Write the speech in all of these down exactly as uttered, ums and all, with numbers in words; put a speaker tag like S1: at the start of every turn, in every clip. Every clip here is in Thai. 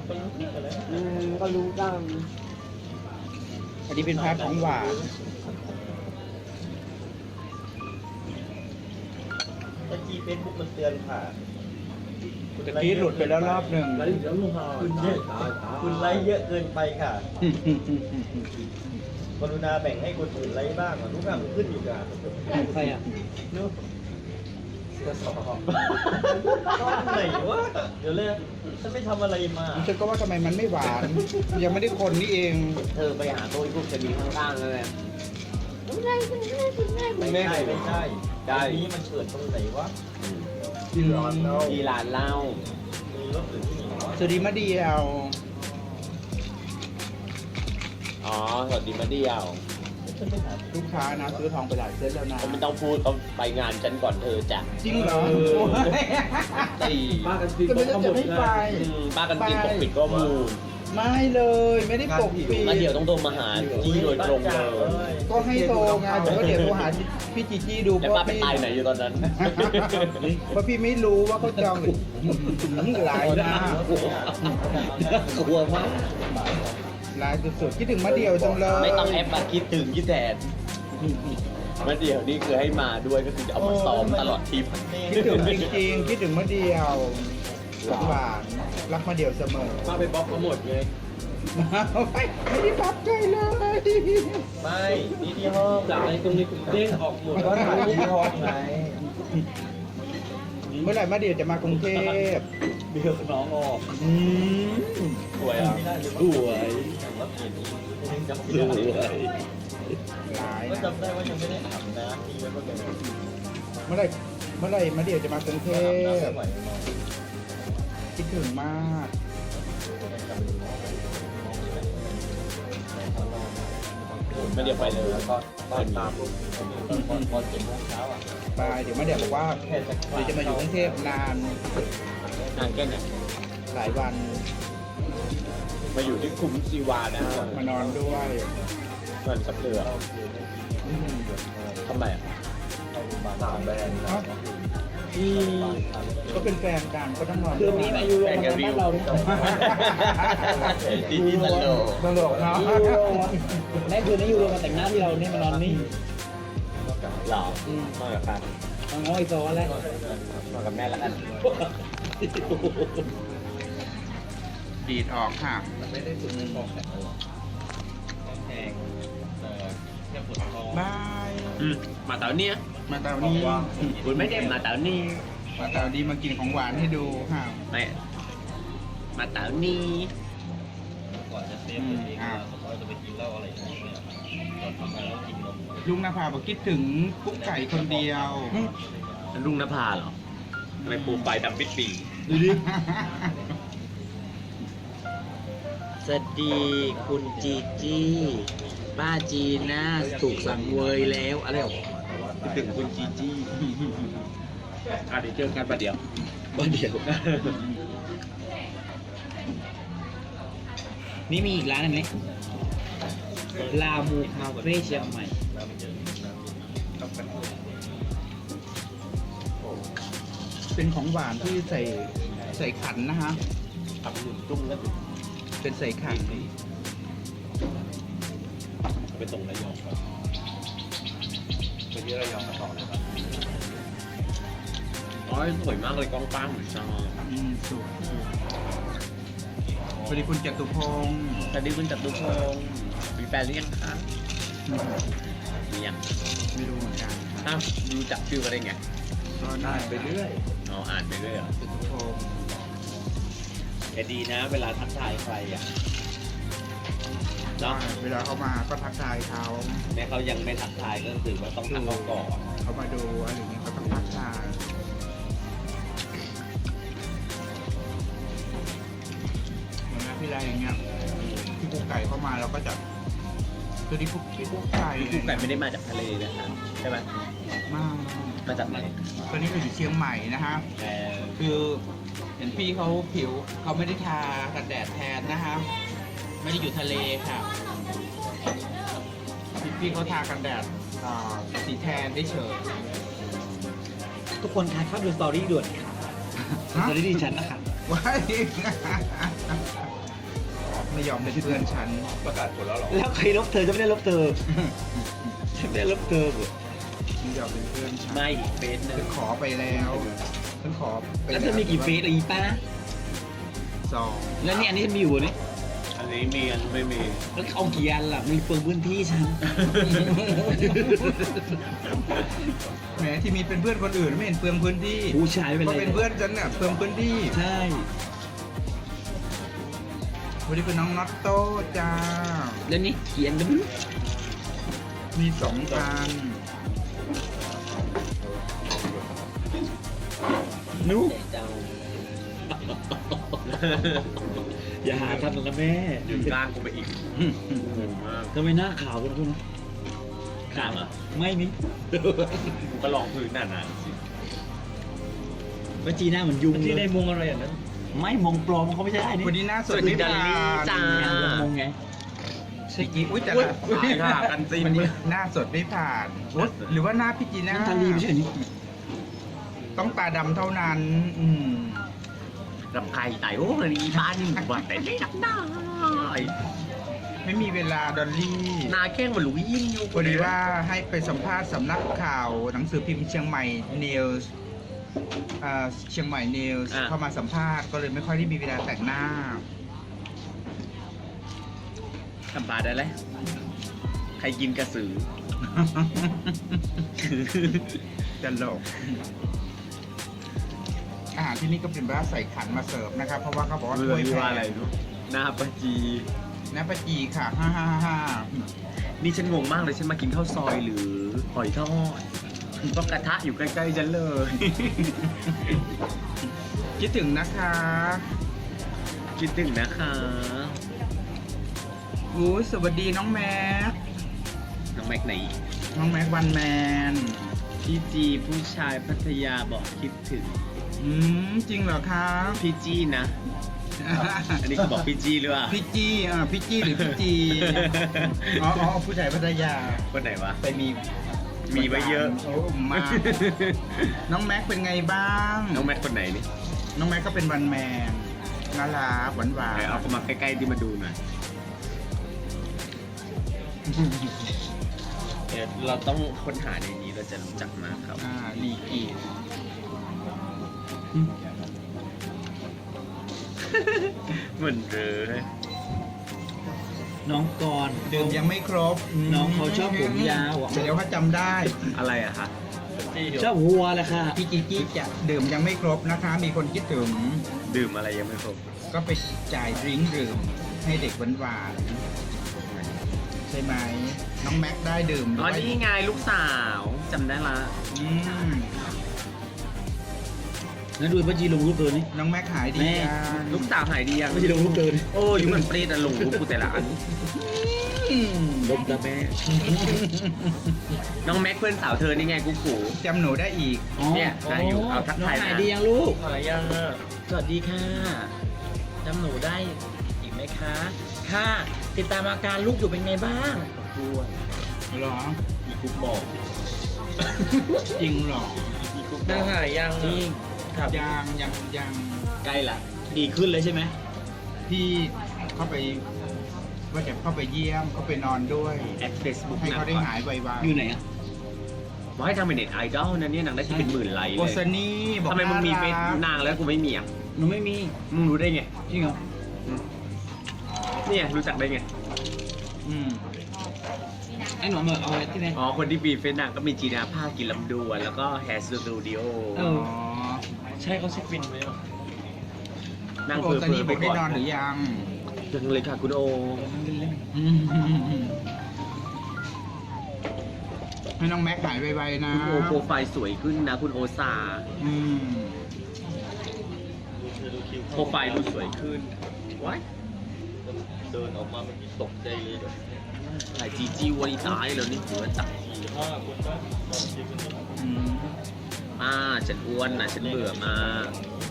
S1: อืมก็รู้กัน
S2: อันนี้เป็นพาร์ทของหวาน
S3: ตะกี้เฟซบุ๊กมันเตือนค่ะ
S2: ตะกี้หลุดไปแล้วรอบหนึ่ง
S3: คุณเยอะคุณไลค์เยอะเกินไปค่ะกรุณาแบ่งให้คนอื่นไลค์บ้างทุกอย่างมันขึ้นอยู่กับ
S1: ใครอ่ะ
S3: นู้เสื้อสอบก้อนไหนวะเดี๋ยวเลยฉันไม่ทำอะไรมา
S2: ฉันก็ว่าทำไมมันไม่หวาน ยังไม่ได้คนนี่เอง
S1: เธอไปหาโต๊ะพวกจะมีข้างๆเลย
S3: ไม่ใช่ไม่ใช่ได้นี้มันเกิดตรงไหนวะ
S2: ที่ร้อนเนาะ
S1: ที่ร้านเหล้า
S3: มีรถหรือที่ไหนวะ
S2: สวัสดีมาเดียว
S1: อ๋อสวัสดีมาเดียว
S2: ลูกค้านะซื้อทองไปหลายเส้นแล้วนะ
S1: เขาไม่ต้องพูดเขาไปงานฉันก่อนเธอจ้ะ
S2: จริงเหรอ
S1: ตี
S2: ก็ไม่จะไม่ไป
S1: อืมป้ากันจริงปกปิดข้อมูล
S2: ไม่เลย ไม่ได้ปกปิด
S1: มาเดี๋ยวต้องโทรมาหาจี้โดยตรงเลย
S2: ก็ให้โทรไงผมก็เดี๋ยวโทรหาพี่จีจี้ดู
S1: แล้วป้าไปตายไหนอยู่ตอนนั้น
S2: เพราะพี่ไม่รู้ว่าเขาจองหรือหลายหน้าก
S1: ลัวมาก
S2: หลายสุดๆคิดถึงมาเดียวจังเลย
S1: ไม่ต้องแอปมาคิดถึงคิดแทนมาเดี๋ยวนี่คือให้มาด้วยก็คือจะเอามาซ้อมตลอดทริป
S2: คิดถึงจริงๆคิดถึงมาเดียวหวานรักมาเดียวเสมอ
S1: ป้าไปบล็อกเขาหมดไง
S2: ไม่ไม่ได้ปับใจเลย
S3: ไม่นี่ที่ห้อง
S1: จากในตรงนี้เด้งออกหมด
S3: ก็ถ่ายที่ห้องไง
S2: เมื่อไหร่มาเดียวจะมากรุงเทพ
S1: เดี๋ยวน้องออก
S2: อืม
S1: สวยอ่ะสวย
S3: ยังจำ
S1: ส
S3: ไม่
S1: ว
S3: ได้
S1: ย
S2: หลาย
S3: ก็
S2: นะ
S3: จำได้ว่ายังไม่ได้อาบน้ำทีไว้เมื่อกี้
S2: เมื่อไหร่เมื่อไหร่มาเดียวจะมากรุงเท
S3: อาบน้ำ
S2: พ
S3: ไม่ไหว
S2: คิดถึงมาก
S1: ไม่เดี๋ยวไปเลย
S3: ก็ก็ตามตอนตอนตอนเจ็ดโมงเช้าอ่ะ
S2: ไปเดี๋ยวมาเดียวบอกว่า
S3: แค่จะ
S2: เดี๋ยวจะมาอยู่กรุงเทพนาน
S1: นานแค่ไหน
S2: หลายวัน
S1: มาอยู่ที่คุ้มซีวานะ
S2: มานอนด้วย
S1: เงินกับเธอ
S2: อืม
S1: ทำไมอ่ะ
S3: สามแบรนด์
S2: เอ้าก็เป็นแฟนกันก็ต้องนอน
S1: คืนนี้มาอยู่โรงพยาบาลบ้านเราเนี่ย
S3: ที่ที่ตลก
S2: ตลกเนาะ
S1: แม่คืนนี้อยู่โรงพยาบาลแต่งหน้าที่เรานี่มานอนนี่หรอมากับใครมาง้อไอโซ่แล้วมากับแม่แล้วกัน
S2: ดีดออกค่ะ
S3: ไม่ได้สุดในบอกแต่แพงแค่ปวดท้อง
S2: บาย
S1: มาเต๋าเนี่ย
S2: มาตาวนี้
S1: คุณไม่ได้มาเต๋านี่
S2: มาตาวนี้มากินของหวานให้ดูค่ะ
S1: ไม่มาเต๋านี่
S3: ก่อนจะเซฟตัวเองผมว่าจะไปกินเหล้าอะไรอย่างเงี้ยตอนทำงานแล้วกินนม
S2: ลุงนภาบอกคิดถึงกุ๊กไก่คนเดียว
S1: ลุงนภาเหรอทำไมปูไฟดำปิดปี
S2: ดูดิ
S1: สวัสดีคุณจีจี้ป้าจีน่าถูกสั่งเวยแล้วอะไรหรอถึงคุณจีจี้อ่ะเดี๋ยวเจอกันประเดี๋ยวประเดี๋ยว นี่มีอีกร้านหนึงไหมลามูคาเฟ่เชียงใหม่
S2: เป็นของหวานที่ใส่ใส่ขันนะฮะ
S3: ทำหนึ่งจุ่มแล้ว
S2: เป็นใส่ขัน
S3: ไปส่งระยองก่อนไปที่ระยองมาต่อเลยครับ
S1: อ๋อสวยมากเลยกล้องป้างเหมือนชอบ
S2: อืมสวยสวัสดีคุณจตุพงศ์
S1: สวัสดีคุณจัตุพงศ์มีแฟนหรือยังคะมียัง
S2: ไม่รู้เหมือนกัน
S1: อ้าวดูจักชื่อมาได้ไง
S2: ก็ได้ไปเรื่อย
S1: อ๋ออ่านไปเรื่อยเหรอ
S2: จตุพงศ์
S1: แต่ดีนะ เวลาทักทายใครอ่ะเนาะ
S2: เวลาเขามาก็ทักทายเขา
S1: แม้เขายังไม่ทักทายก็ถือว่าต้องทักเขาก่อน
S2: เขามาดูอะไรอย่างเงี้ยเขาต้องทักทายเหมือนนะพี่ไรอย่างเงี้ยพี่กุ๊กไก่เข้ามาเราก็จะคือที่กุ๊กพี่กุ๊กไก่
S1: พี่กุ๊กไก่ไม่ได้มาจากทะเลนะครับใช่ไหม
S2: มาก
S1: มาจากไหน
S2: ตอนนี้เราอยู่เชียงใหม่นะฮะ
S1: เออ
S2: คือเห็นพี่เขาผิวเขาไม่ได้ทากันแดดแทนนะฮะไม่ได้อยู่ทะเลค่ะพี่พี่เขาทากันแดดอ่าสีแทนได้เฉย
S1: ทุกคนคะเข้าดูสตอรี่ด่วนค่ะสตอรี่ดิฉันนะคะ
S2: ว้ายไม่ยอมเป็นเพื่อนฉัน
S1: ประกาศผลแล้วหรอแล้วใครลบเธอจะไม่ได้ลบเธอจะไม่ได้ลบเธอเหรอ
S2: ไม่ยอมเป็นเพื่อนฉัน
S1: ไม่เฟซหนึ่
S2: ฉั
S1: ง
S2: นขอไปแล้วฉันขอไป
S1: แล้วเธอมีกี่เฟซอีป้า
S2: สอง
S1: แล้วนี่อันนี้ฉันมีอยู่นี่
S3: อันนี้มีอันไม่มี
S1: แล้วเอากี่อันล่ะมีเปลืองพื้นที่ฉัน
S2: แหมที่มีเป็นเพื่อนคนอื่นไม่เห็นเปลืองพื้นที่
S1: ผู้ชายไม่เป็น
S2: ก็
S1: ไร
S2: เป็นเพื่อนฉันเนี่ยเปลืองพื้นที่
S1: ใช่
S2: วันนี้เป็นน้องน็อตโต้จ้า
S1: แล้วนี่เขียนกัน
S2: มีสองพัน
S1: นุ๊กอย่าหาทำนะแม่
S3: ยืนกลางกูไปอีกงงมาก
S1: ทำไมหน้าขาวกันคุณขาวอ่ะไม่นี่
S3: กูก็ลองพื้นหนาๆสิ
S1: ว่าจีหน้าเหมือนยุง
S3: ที่ใน
S1: เลย
S3: มุงอะไรอย่างนั้น
S1: ไม่มงปลอมเขาไม่ใช่นี่
S2: วันนี้หน้าสด
S3: สวัสดี
S2: ไม่
S3: ดอลลี่
S2: ผ่าน
S3: จ้า
S1: งานมงไง
S2: ใช่กี่อุ้ยแต่
S3: อุ๊ย
S2: ละ
S3: ตายค่ะกันซีน
S2: วันนี้หน้าสดไม่ผ่านอุ๊ยหรือว่าหน้าพี่จีน่า
S1: น้ำตาลีไม่ใช่เหรอนี่
S2: ต้องตาดำเท่านั้น อืม
S3: รำไก่ไต่โอ้ยอีบ้านนี่หมู่บ้านแต่ไม่ดักได้
S2: ไม่มีเวลาดอลลี่
S3: นาแข้งมันหลุยยิ่งอยู่
S2: พอดีว่าให้ไปสัมภาษณ์สำนักข่าวหนังสือพิมพ์เชียงใหม่นิวส์เชียงใหม่นิวส์เข้ามาสัมภาษณ์ก็เลยไม่ค่อยได้มีเวลาแต่งหน้า
S3: ทำปลาได้เลยใครกินกระสือ
S2: ตลกอาหารที่นี่ก็เป็นว่าใส่ขันมาเสิร์ฟนะครับ เพราะว่าเขาบอกว่า
S3: เรือ
S2: ถ้วย
S3: ที่
S2: แพ
S3: ว่าอะไร
S2: ง
S3: รู้หน้าปะจี
S2: น้ำปลาจีค่ะฮ่าฮ่าฮ่าฮ่า
S3: นี่ฉันงงมากเลยฉันมากินข้าวซอยหรือหอยทอดเพราะกระทะอยู่ใกล้ๆฉันเลย
S2: คิดถึงนะคะ
S3: คิดถึงนะคะ
S2: อู้สวัสดีน้องแม็ก
S3: น้องแม็กไหน
S2: น้องแม็กวันแมน
S3: พี่จีผู้ชายพัทยาบอกคิดถึง
S2: อืมจริงเหรอคะ
S3: พี่จี้นะ อันนี้คือบอกพี่จี้หรือเปล่า
S2: พี่จี้อ่าพี่จี้หรือพี่จีอ๋ออ๋อผู้ชายพัทยา
S3: คนไหนวะ
S2: ไปมี
S3: มีไว้เยอะ
S2: โอ้มาก น้องแม็กเป็นไงบ้าง
S3: น้องแม็กคนไหนนี่
S2: น้องแม็กก็เป็นวันแมนน่ารักหวานหวาน
S3: ไหนเอาเข้ามาใกล้ๆที่มาดูหน่อยเดี๋ยวเราต้องค้นหาในนี้เราจะรู้จักมากครับ
S2: อ่าลีกี
S3: เหมือนเลย
S1: น้องกรณ์
S2: ดื่มยังไม่ครบ
S1: น้องเขาชอบผมยาวอ่ะ
S2: เดี๋ยวเขาจำได้
S3: อะไรอะคะ
S1: ชอบวัวแหละค่ะ
S2: พี่จีจี้จะดื่มยังไม่ครบนะคะ มีคนคิดถึง
S3: ดื่มอะไรยังไม่ครบ
S2: ก็ไปจ่ายดริงก์ดื่มให้เด็กหวานๆใช่ไหมน้องแม็กได้ดื่ม
S3: อ๋อ
S2: ด้วย
S3: นี่ไงลูกสาวจำได้ละ
S2: อืม
S1: แล้วดูป้าจีลงรูปเธอนี่
S2: น้องแม็กหายดี
S1: แม่
S2: ยัง
S3: ลูกสาวหายดียัง
S1: ป้าจีลงรูปเธอนี่
S3: โอ้ยมันเปรี้ยนลงรูปกูแต่ละอัน
S2: อืม
S1: ลมตาแม่
S3: น้องแม็กเพื่อนสาวเธอนี่ไงกูกู
S2: จำหนูได้อีก
S1: อ๋อ
S3: เนี่ยได้อยู่เอาทักทาย
S1: น้องหาย
S3: นะ
S1: ดียังลูก
S3: หายยังอ่ะ
S1: สวัสดีค่ะจำหนูได้อีกไหมคะ ค่ะ ติดตามอาการลูกอยู่เป็นไงบ้างปวด
S2: เหรอ
S3: มีกุ๊กบอก
S2: จริงเหรอ
S3: มีกุ๊กได้หายยัง
S1: จริงครับ
S2: ยังยังยัง
S1: ใกล้ละดีขึ้นเลยใช่ไหม
S2: พี่เข้าไปว่าจะเข้าไปเยี่ยมเข้าไปนอนด้วย
S3: แอดเฟซบุ๊ก
S2: ให้
S3: นะ
S2: เขาได้หายไว
S1: อยู่ไหนอ่ะ
S3: บอกให้ทำเป็นเน็ตไอดอลนะเนี่ยนางได้ที่เป็นหมื่นไลค์
S2: ๆ
S3: เล
S2: โก
S3: ย
S2: สนี่บอก
S3: ทำไมมึงมีเฟซ
S2: น่ารัก
S3: นางแล้วกูไม่มีอ่ะ
S1: หนูไม่มี
S3: มึงรู้ได้ไง
S1: จริงเหรอ
S3: เนี่ยรู้จักได้ไง
S2: อืม
S1: ไอ้หนูเอามาเอาไว้ที่ไหน
S3: อ๋อ คนที่ปีเฟซนางก็มีจีนาภาคกินลำดวนแล้วก็แฮร์สตูดิโอ
S1: เอ
S2: อ๋อ
S1: ใช่เขาเช็คบินไหมอ่ะ
S3: นาง
S2: โก
S3: เพื่อ
S2: ส
S3: เพื่
S2: นี่
S3: อ
S2: บอก
S3: ไป
S2: ได้
S3: ก่อน
S2: นอนหรือยัง
S3: ยังเลยค่ะคุณโอ
S1: เล่น
S2: อืมให้น้องแม็กหายไวๆนะ
S3: คุณโอโปรไฟล์สวยขึ้นนะคุณโอซา
S2: อืม
S3: โปรไฟล์ดูสวยขึ้นว้าย
S4: เดินออกมาเมื่อกี้ตกใจเลยแบบ
S3: หลายจีจีวันนี้ตายแล้วนี่หัวจับ
S4: สี่ห้าคนนะตอนที่คนนี้
S2: อืม
S3: อ่าฉันอ้วนนะฉันเบื่อมาก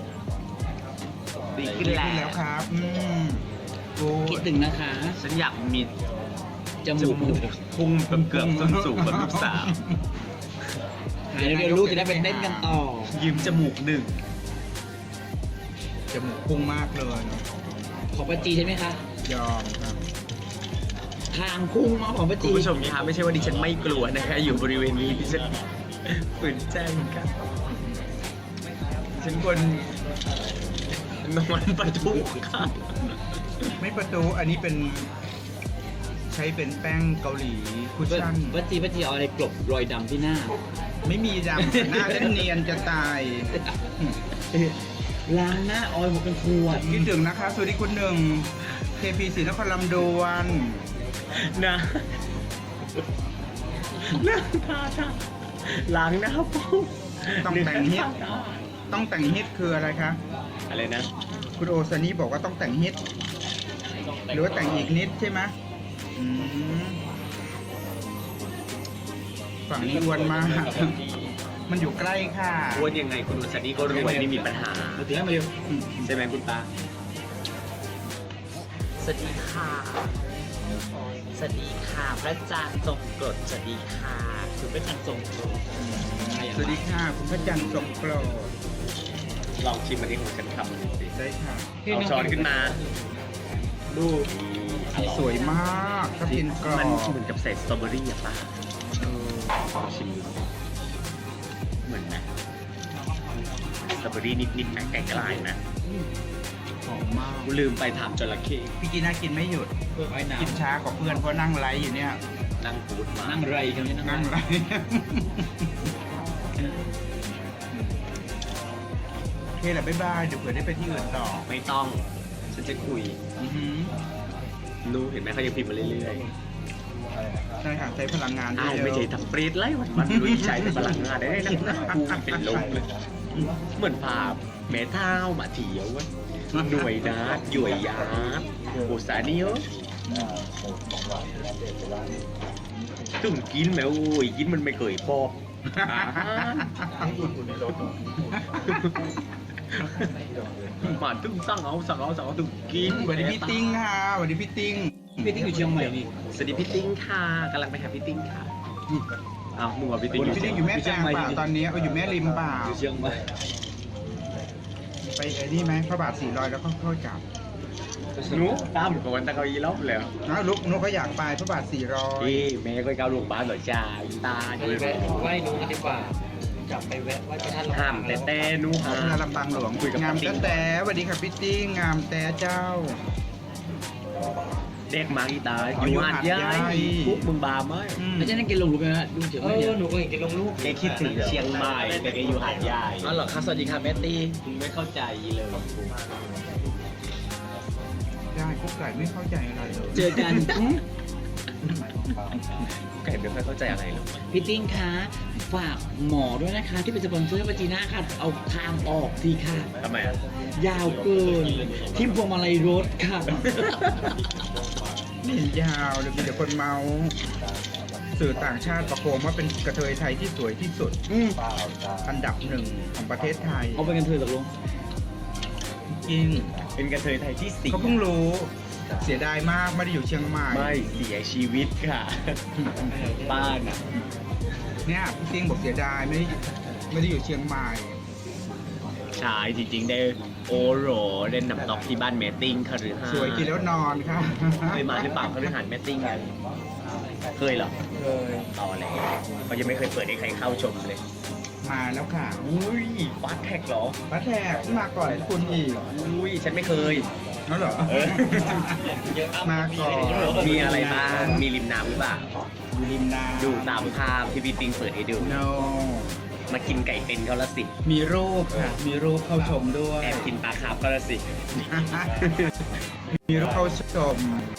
S3: ดีขึ้น
S2: ดี
S3: แล้
S2: ขึ้นแล้ว
S3: ว
S2: ครับ อืมโอ้
S1: คิดถึงนะคะ
S3: ฉันอยากมี
S1: จมูก
S3: พุ่งแบบเกือบส้นสูงแบบลูกสาว
S1: เดี๋ยวเดี๋ยวลูกจะได้ไปเต้นกันต่อ
S3: ยืมจมูกหนึ่ง
S2: จมูกพุ่งมากเลย
S1: ขอป้าจีใช่ไหมคะ
S2: ยอมครับ
S1: ทางพุ่งมาของป้า
S5: คุ
S1: จี
S5: ณผู้ชมคะไม่ใช่ว่าดิฉันไม่กลัวนะคะอยู่บริเวณนี้ดิฉันฝืนใจเหมือนกันฉันควรนอนประตูค่ะ
S2: ไม่ประตูอันนี้เป็นใช้เป็นแป้งเกาหลีคุชชั่น
S1: ป้าจีป้าจีเอาอะไรกลบรอยดำที่หน้า
S2: ไม่มีดำหน้าฉันเนียนจะตาย
S1: ล้างหน้าออยหมดเป็นขวด
S2: คิดถึงนะคะสวัสดีคุณหนึ่ง เค พี ศรีนครลำดวน
S5: นะนั่งทาทาล้างหน้าปุ๊บ
S2: ต้องแต่งฮิตต้องแต่งฮิตคืออะไรคะ
S5: อะไรนะ
S2: คุณโอซานี่บอกว่าต้องแต่งฮิตหรือว่าแต่งอีกนิดใช่ไหมอืมฝั่งนี้อ้วนมาก มันอยู่ใกล้ค่ะ
S5: อ้วนยังไงคุณอุศนีก็รวยไม่มีปัญหา
S1: มาถึงแล้วมาเร็ว
S5: ใช่ไหมคุณตา
S1: สวัสดีค่ะ สวัสดีค่ะพระจันทร์ทรงกรดสวัสดีค่ะคุณพระจันทร์ทรงกรด
S2: สวัสดีค่ะคุณพระจันทร์ทรงโปรด
S5: ลองชิมอันนี้ของฉันทำดูสิ
S2: ได้ค่ะ
S5: เอาช้อนขึ้นมา
S2: ดู
S5: นี่
S2: สวยมากถ้าเป็นกรอ
S5: มัน
S2: บ
S5: เหมือนกับใส่สตรอเบอรี่อะป้า
S2: เออ
S5: ลองชิมดูเหมือนไหมสตรอเบอรี่นิดๆนะไกลๆนะ
S2: หอมมาก
S5: กูลืมไปถามจระเข้
S2: พี่จีน่ากินไม่หยุด
S1: เพื่อไว้น้
S2: กินช้ากว่าเพื่อนเพราะนั่งไลฟ์อยู่เนี่ย
S5: นั่งพูดมา
S1: ำนั่งไรกันนี่
S2: นั่
S1: นั่
S2: ง
S1: ง
S2: ไล
S1: ไร
S2: ฟ์โอเคแหละบ๊ายบายเดี๋ยวเผื่อได้ไปที่อื่นต่อ
S5: ไม่ต้อง ฉันจะคุย
S2: อือหือ
S5: นูเห็นไหมเขายังพิมพ์มาเรื่อย
S2: ใช่ค่ะใช้พลังงาน
S5: ๆอ้าว
S2: เยอะ
S5: ไม่ใช่ทำปรีดไล่วันวันลุยใจเป็นพลังงานได้นะกูเป็นลมเลยเหมือนภาพแม่เท้ามาเถียวอะหน่วยนาดหย่วยยาดโอสาเนียวตึงกินแมวโอ้ยกินมันไม่เคยพอบอ่ามาตึงสั่งเอาสั่งเอาสั่งเอาตึงกิน
S2: สวัสดีพี่ติ้งค่ะสวัสดีพี่ติ้ง
S1: พี่ที่อยู่เชียงใหม่นี่
S5: สวัสดีพี่ติ้งค่ะกำลังไปหาพี่ติ้งค่ะอ้าวมึงว่าพี่ติ้ง
S2: พี่ติ้งอยู่แม่แตงเปล่าตอนนี้เอาอยู่แม่ริมเปล่า
S1: อยู่เชียงใหม่
S2: ไปไอ้นี่ไหมพระบาทสี่ร้อยแล้วก็เข้ากลับ
S5: หนูตามก่อนตะเกาอีล็อกแล้ว
S2: นะลูกนุกก็อยากไปพระบาทสี่ร้อย
S5: พี่แม่ก็เกาลูกบ้านเหรอจ้าอีตา
S1: ไป
S5: ดี
S1: แวะไหว้หนูกันดีกว่า กลับไปแวะไหว้พระธาตุ
S5: ห้ามแต่แต่หนู
S2: ขอบ
S5: ห้า
S2: คุณ
S5: ม
S2: ลำปางหลวง
S5: คุยกับ
S2: งาม
S5: พี่
S2: แต่แต่สวัสดีค่ะพี่ติ้งงามแต่เจ้า
S5: เด็กมาอีตา
S2: อ๋อ
S5: อ
S2: อยู่
S5: ยู่หาดใหญ่
S2: หาดใหญ่
S5: ปุ๊บมึงบาไหม
S2: อืม
S1: แล้วจะนั่งกินลงรูปไหมฮะดูเชียง
S3: เอ
S1: ใหม่
S3: อหนูก็เห็นแกลงรูป
S5: แกคิดถึงเชียงใหม่แต่แกอยู่หาดใหญ่
S1: อ๋อเหรอคะสวัสดีค่ะแมตตี้
S5: มึงไม่เข้าใจเลย
S2: ได้กุ๊กไก่ไม่เข้าใจอะไรเลย
S1: เจอกัน
S5: ไก่ไม่ค่อยเข้าใจอะไรหรอก
S1: พี่ติ้งคะฝากหมอด้วยนะคะ ที่เป็นสปอนเซอร์ปาจีน่าค่ะ เอาทางออกทีค่ะ
S5: ทำไมอ่ะ
S1: ยาวเกิน ทิ่มพวงมาลัยรถค่ะ
S2: นี่ยาวเลยมีแต่คนเมา สื่อต่างชาติประโคมว่าเป็นกระเทยไทยที่สวยที่สุด
S1: อืม
S2: อันดับหนึ่งของประเทศไทย
S1: เอาไปกันเถอะตกลง
S2: จริง
S5: เป็นกระเทยไทยที่สี่
S2: เขาเพิ่งรู้ เสียดายมากไม่ได้อยู่เชียงใหม่
S5: ไม่เสียชีวิตค่ะบ้านอ่ะ
S2: เนี่ยพี่ติ้งบอกเสียดายไม่ได้ไม่ได้อยู่เชียงใหม่
S5: ใช่จริงๆได้โอโรเล่นน้ำตกที่บ้านแมตติ้งคฤหาสน์
S2: สวยกินแล้วนอนค่ะ
S5: เคยมาหรือเปล่าคฤหาสน์แมตติ้งกันเคยเหรอ
S2: เคย
S5: ต่อเลยเขายังไม่เคยเปิดให้ใครเข้าชมเลย
S2: มาแล้วค่ะ
S5: อุ้ยฟาสแท็กเหรอ
S2: ป้าแทกมาก่อนคุณอีก
S5: อุ้ยฉันไม่เคย
S2: นั่นเหรอ
S5: เออ
S2: มาก่อน
S5: มีอะไรบ้างมีริมน้ำหรือเปล่า
S2: อยู่ริมน้ำ
S5: ดูตามภาพที่พี่ปิงเปิดให้ดู
S2: no
S5: มากินไก่เป็นเขาละสิ
S2: มีรูปค่ะ มีรูปเข้าชมด้วย
S5: แอบกินปลาคาร์ฟเขาละสิ
S2: มีรูปเข้าชม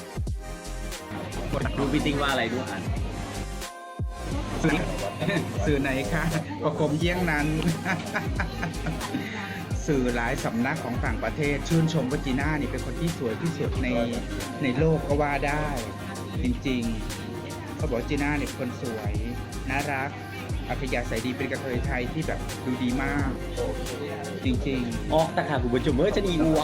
S5: ดูพี่ติ้งว่าอะไรดูอ่าน
S2: สื่อไหนคะประคมเยี่ยงนั้น สื่อหลายสำนักของต่างประเทศ ชื่นชมว่าจีน่านี่เป็นคนที่สวยที่สุดในในโลกก็ว่าได้ จริงๆ เขาบอกว่าจีน่าเนี่ยเป็นคนสวย น่ารัก อัธยาศัยดีเป็นกระเทยไทยที่แบบดูดีมาก จริง
S5: ออกตะขาคุณผู้ชมเมื่อจะดีวัว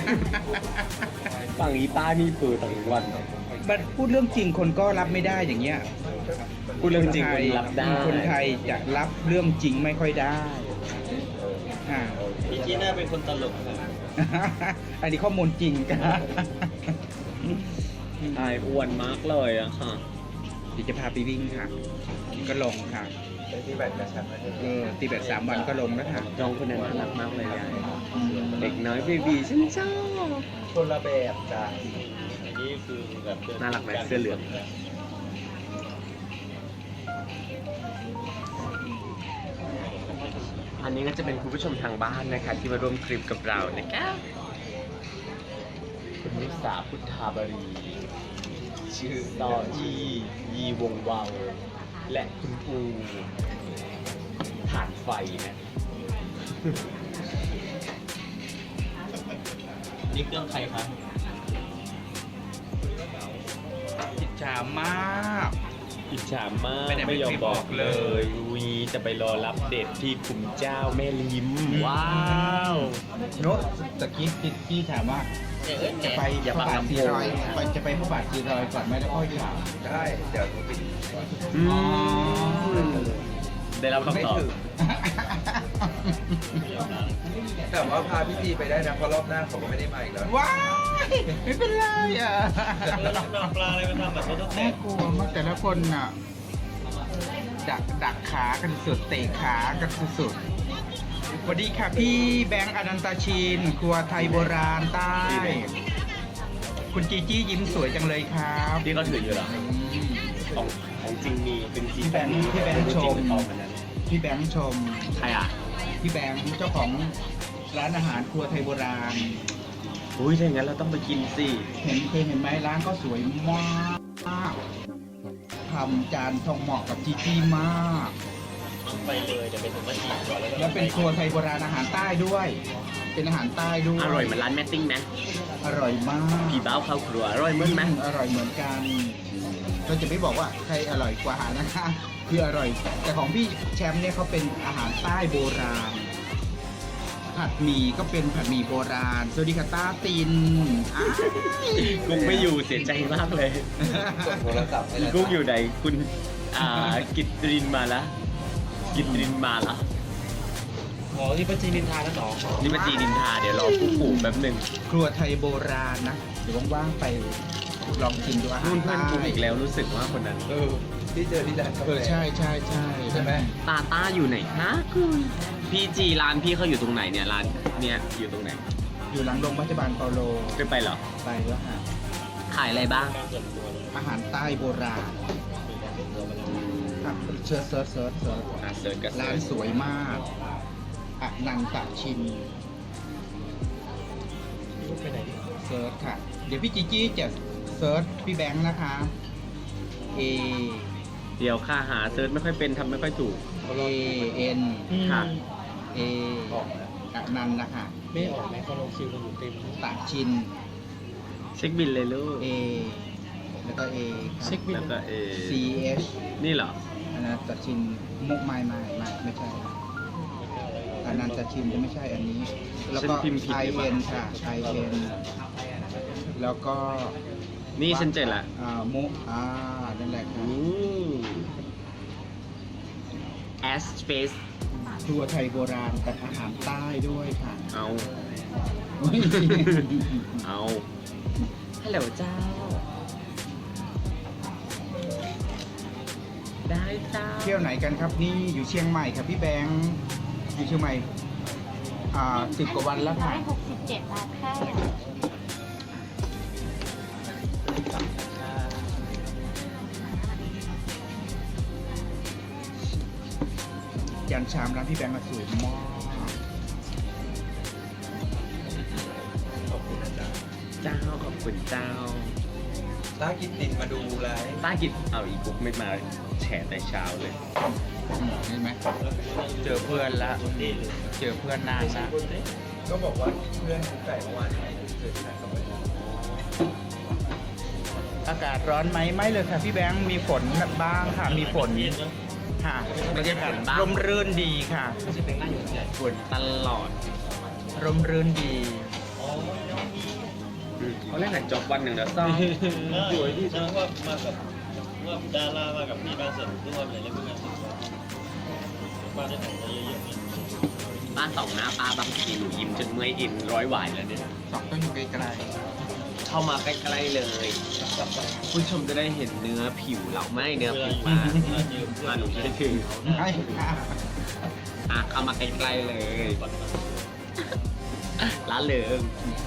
S5: ฝั่งอีป้านี่เปิดทั้งวัน
S2: ๆมันพูดเรื่องจริงคนก็รับไม่ได้อย่างเงี้ย
S5: พูดเรื่องจริงคนรับได้
S2: คนไทยจะรับเรื่องจริงไม่ค่อยได้อ่า
S3: พี่จีน่าเป็นคนตลกค่ะ
S2: อันนี้ข้อมูลจริงครับ
S5: อายอ้วนมากเลยอะค่ะ
S2: เดี๋ยวจะพาไปวิ่งค่ะ ก็ลงค่ะ
S3: ที่แบตกระชับแล้ว
S2: เออตีแบตสามวันก็ลงแล้วค่ะ
S5: น้องคนนั้นน่ารักมากเลยยายเด็กน้อยเบบีฉันชอบ
S3: คนละแบบจ้ะ
S4: อันนี้คือแบบเดิ
S5: น่ารักไหมเสื้อเหลือง อันนี้ก็จะเป็นคุณผู้ชมทางบ้านนะคะ ที่มาร่วมคลิปกับเรานะคะคุณนิสาพุทธาบรี
S3: ชื่อ
S5: ต่อยียีวงวาวและคุณปูผ่านไฟนะ
S4: นี่เครื่องใครคะ
S2: อิจฉามาก
S5: อิจฉามาก
S2: ไม่ได้
S5: ไม่ยอม
S2: ไม่
S5: บบ อ
S2: อก ก
S5: เล
S2: เลย ย
S5: วีจะไปรอรับเด็ดที่ขุมเจ้าแม่ลิม ว้าว
S2: โน้ตตะกี้พี่พี่ถามว่า จะไป
S5: อย่า
S2: พระ
S5: บัง
S2: บาท
S5: ลำ
S2: สี
S5: โพง
S2: รอยไปจะไปพระบาทสีรอยก่อนไหมแล้วค่อยถาม
S3: ได้เดี๋ยวปิด
S5: อืมได้รับคำตอบ
S3: แต่ว่าพาพี่จีไปได้นะเพราะรอบหน้าเขาก็ไม่ได้มาอีกแล้ว
S2: ว้ายไม่เป็นไรอ่ะ
S4: ปลาอะไรมาทำแบบรถแต
S2: น่าก กลัวมากแต่ละคนอ่ะ ดักดักขากันสุดเตะขากันสุดๆสวัสดีค่ะพี่แบงค์อนันตชิน ครัวไทยโบราณใต้ คุณจีจี้ยิ้มสวยจังเลยครับ
S5: ที่เขาถืออยู่เหรอ
S2: อืม
S5: ของของจริงมีเป็นจี
S2: พี่แบงค์พี่แบงค์ชม
S5: ออกมานั้น
S2: พี่แบงค์ชม
S5: ใครอ่ะ
S2: พี่แบงค์เจ้าของร้านอาหารครัวไทยโบราณ
S5: อุ้ยถ้าอย่างนั้นเราต้องไปกินสิ
S2: เห็นเคยเห็นไหมร้านก็สวยมากทำจานทองเหมาะกับจีจี้มาก
S4: ไปเลยเดี๋ยวไปถึงมาจีบก่อนแล้วก็
S2: แล้วเป็นครัวไทยโบราณอาหารใต้ด้วย เป็นอาหารใต้ด้วย
S5: อร่อยเหมือนร้านแม่ติ้งไหม
S2: อร่อยมาก
S5: ผีบ้าวเข้าครัวอร่อยเหมือนไหม
S2: อร่อยเหมือนกันเราจะไม่บอกว่าใครอร่อยกว่านะคะคืออร่อย แต่ของพี่แชมป์เนี่ยเขาเป็นอาหารใต้โบราณ ผัดหมี่ก็เป็นผัดหมี่โบราณ สวัสดีค่ะต้าตินอ้าย
S5: กุ๊กไม่อยู่เสียใจมากเลย
S3: กดโทรศัพท์ให้
S5: คุณ
S3: แล้ว
S5: กุ๊กอยู่ไหนคุณอ่ากิตรินมาละกิตรินมาละ
S4: อ๋อที่ประจีนินทาแล้วหรอ
S5: นี่มาจีนินทาเดี๋ยวรอผู้ปู่แป๊บหนึ่ง
S2: ครัวไทยโบราณนะ เดี๋ยวว่างๆไปลองกินดูอาหาร
S5: นู่นเพื่อน
S2: ใต้
S5: กุ๊กอีกแล้วรู้สึกว่าคนนั้น
S3: เออที่เจอที่ร้านกา
S2: เอ
S3: แฟ
S2: อใช่ใช่ใช่
S3: ใช่ไหม
S5: ตาต้าอยู่ไหนฮะพี่จีร้านพี่เขาอยู่ตรงไหนเนี่ยร้านเนี่ยอยู่ตรงไหน
S2: อยู่หลังโรงพยาบาลเปาโล
S5: ไปไปเหรอ
S2: ไปแล้วค่ะ
S5: ขายอะไรบ้าง
S2: อาหารใต้โบราณครับเชิญเซิร์ชเซิร์ชเซิร์ช
S5: อ่ะเสิร์ชกัน
S2: ร้านสวยมากอนันตชิน
S4: ไปไหนดิ
S2: เซิร์ชค่ะ เดี๋ยวพี่จีจี้จะเซิร์ชพี่แบงค์นะคะ A
S5: เดี๋ยวค่าหาเซิร์ชไม่ค่อยเป็นทำไม่ค่อยถูก
S2: A N
S5: ค่ะ
S2: A อนันต์นะคะ
S4: ไม่ออกไหมเขาลงคิวกันอยู่เต็ม
S2: ตะชิน
S5: เช็คบินเลยลูก
S2: A แล้วก็ A
S4: เช็คบิน
S5: แล้วก็เอ
S2: C H
S5: นี่เหรอ
S2: อนันตชินมุกไม่ไม่ไม่ไม่ใช่อนันตชินจะไม่ใช่อันนี้ แล้วก็
S5: ฉันพิมพ์ผิด
S2: I
S5: หรือเปล่า
S2: N ค่ะ I N แล้วก็
S5: นี่ฉันเจอละ
S2: อ่ามุอ่านั่นแหละค่ะ
S5: อู้ S space
S2: ครัวไทยโบราณแต่อาหารใต้ด้วยค่ะ
S5: เอา
S2: อุ๊ย
S5: เอาฮัลโหลเจ้า ได้เจ้า
S2: เที่ยวไหนกันครับนี่อยู่เชียงใหม่ครับพี่แบงค์อยู่เชียงใหม่อ่าสิบกว่าวันแล้วค่ะ
S6: ร้อยหกสิบเจ็ดบาทค่ะ
S2: ยันชามร้านพี่แบงค์มาสวยมาก
S5: เจ้าขอบคุณเจ้า
S3: ต้ากินตินมาดูไลฟ์
S5: ต้ากิจเอาอีกุ๊กไม่มาแฉแต่เช้าเลย
S2: เห็นไหมเจอเพื่อนละเจอเพื่อนนานละ
S3: ก็บอกว่าเพื่อนกุ๊กไก่เมื่อวานเจอที่ร้านกาแฟ
S2: อากาศร้อนไหมไม่เลยค่ะพี่แบงค์มีฝนบ้างค่ะมีฝนค่ะบรรยากาศร่มรื่นดีค่ะ
S5: ฝนตลอด
S2: ร่มรื่นดี
S5: เขาเล่นหนังจบวันหนึ่งแล้วซ่อม
S4: อยู่ที่ฉันว่ามากับว่าดารามากับพี่การเสริมด้วยอะไรเงี้ยเพื่อนบ้านได้แต่งตัวเยอะๆนี่
S5: บ้านสองหน้าป้าบางทีหนูยิ้มจนเมื่อยอินร้อยหวายแล้วเนี่ย
S2: สองต้องอยู่ไกล
S5: ชเข้ามาใกล้ๆเลย ผู้ชมจะได้เห็นเนื้อผิวเราไม่เนื้อผิวปลามาหนูจะได้ถึง
S2: ไม่ค่ะ
S5: อ่ะเข้ามาใกล้ๆเลยร้านเลิง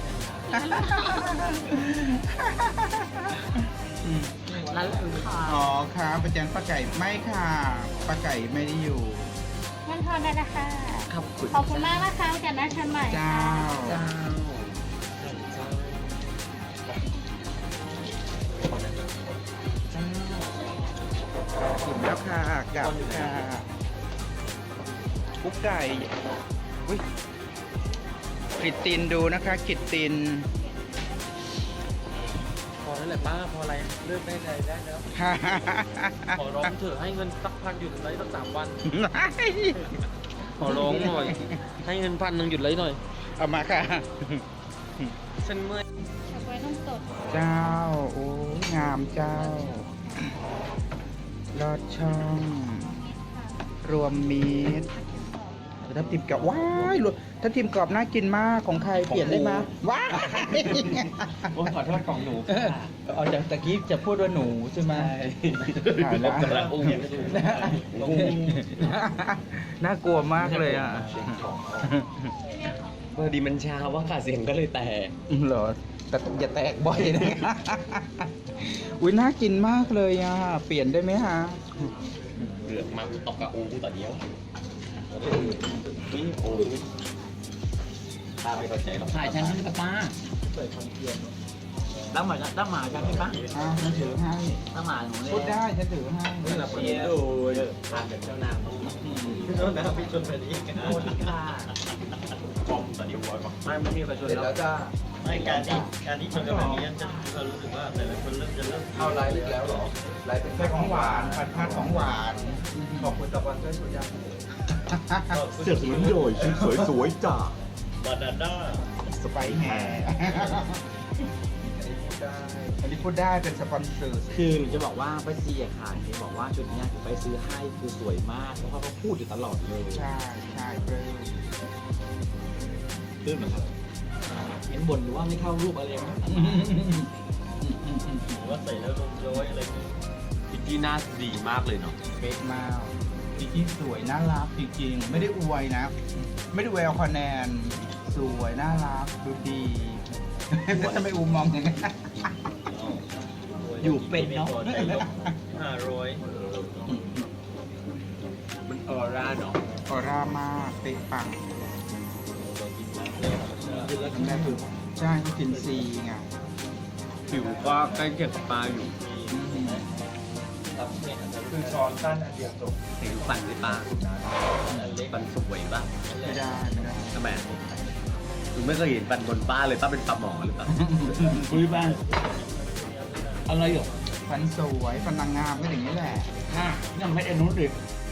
S5: ร้านเลิงค่ะ
S2: อ๋อค่ะประจันป้าไก่ไม่ค่ะป้าไก่ไม่ได้อยู่
S6: มันทอนได้นะคะ
S5: ขอบคุณ
S6: ขอบคุณมากนะคะจากนั้นชันใหม่
S2: เจ้า
S5: เจ้า
S2: ถึงแล้วค่ะกลับค่ะกุ๊กไก่อุ้ยกิตตินดูนะคะกิตติน
S3: พอแล้วแหละป้าพออะไรเลิกได้เลยได้แล้ว ขอร้องเถอะให้เงินสักพันหยุดไลฟ์สักสามวัน ขอร้องหน่อย ให้เงินพันหนึ่งหยุดไลฟ์หน่อย
S2: เอามาค่ะ
S3: ฉันเมื่อย
S6: เฉาก๊วยต้องสด
S2: เจ้า โอ้ยงามเจ้า ลอดช่อง รวมมิตรทับทิมกรอบว้ายรวมทับทิมกรอบน่ากินมากของใครเปลี่ยนได้ไหมว้าย
S3: โอ้ขอโทษของหนู
S2: เอาจากตะกี้จะพูดว่าหนูใช่ไหมถ่ายแล้ว
S5: กำลังอุ้ม
S2: น่ากลัวมากเลยอ่ะ
S5: พอดีมันเช้าว่าค่ะเสียงก็เลยแตก
S2: เหรอแต่อย่าแตกบ่อยนะ อุ้ยน่ากินมากเลยอ่ะ เปลี่ยนได้ไหมฮะ
S5: เลือกมาตอกกระอูต่อเดียวนี่โอ้ป้าไม่เข้าใจหรอก
S1: ถ่ายฉันนี่กับป้าตั้งหมาตั้งหมาฉันให้ป้า
S2: อ่ะฉันถือให้
S1: ตั้งหมาหนูเลย
S2: พูดได้ฉันถือให้
S3: นี่แหละคนนี้ดูทานแบบเจ้านางพี่โน้ตนะพี่ชนไปนี้กันโคตรค่ะ
S5: กอมต่อเดียววอยบอก
S3: ไม่ไม่มีใครชนแล้ว
S4: ไม่การที่การที่ชนกันแบบนี้จะเรารู้สึกว่าแต่ละคนเริ่มจะเริ่ม
S3: เอาไลฟ์อีกแล้วเหรอไลฟ์เป็น
S2: ใส่ของหวานผัดผัดของหวาน
S3: ขอบคุณตะวันด้วยสุดยอด
S5: เสือกลุ้นโดยชุดสวยๆจ้า
S4: บานาน่า
S2: สไปแห่อันนี้พูดได้เป็นสปอนเซอร์
S1: คือหนูจะบอกว่าป้าเจียค่ะเห็นบอกว่าชุดเนี้ยไปซื้อให้คือสวยมากเพราะว่าเขาพูดอยู่ตลอดเลย
S2: ใช่ใช่เปรี้ยว
S1: คือเหมือนกันเห็นบ่นอยู่ว่าไม่เข้ารูปอะไรนะ
S4: หรือว่าใส่แล้วลงย้อยอะไรอย่างเงี้ย
S5: พิกกี้หน้าดีมากเลยเนาะ
S2: เฟซมากจริงๆสวยน่ารักจริงๆ ไม่ได้อวยนะ ไม่ได้อวยเอาคะแนน สวยน่ารักดูดีทำไมอูมองอย่างนั้น
S1: อยู่เป็นเนาะ
S4: ห้าร้อย
S5: มันออร่าเนาะ
S2: ออร่ามากเป๊ะปังน้ำแม่ถูกใช่เขากินซีไง
S5: ผิวก็ใกล้เคียงกับปลาอยู่
S2: อืม
S3: คือช้อนสั้นอันเดียวจบ
S5: เห็นฟันในปลาฟันสวยป่ะ
S2: ไม่ได้ไม่ได้
S5: ทำไมหนูไม่เคยเห็นฟันบนป้าเลยป้าเป็นปลาหมอหรือเปล่า
S1: คุยบ้างอะไรหรอ
S2: ฟันสวยฟันนางงามก็อย่างนี้แหละ
S1: ฮะยังไม่ได้นู้นดิ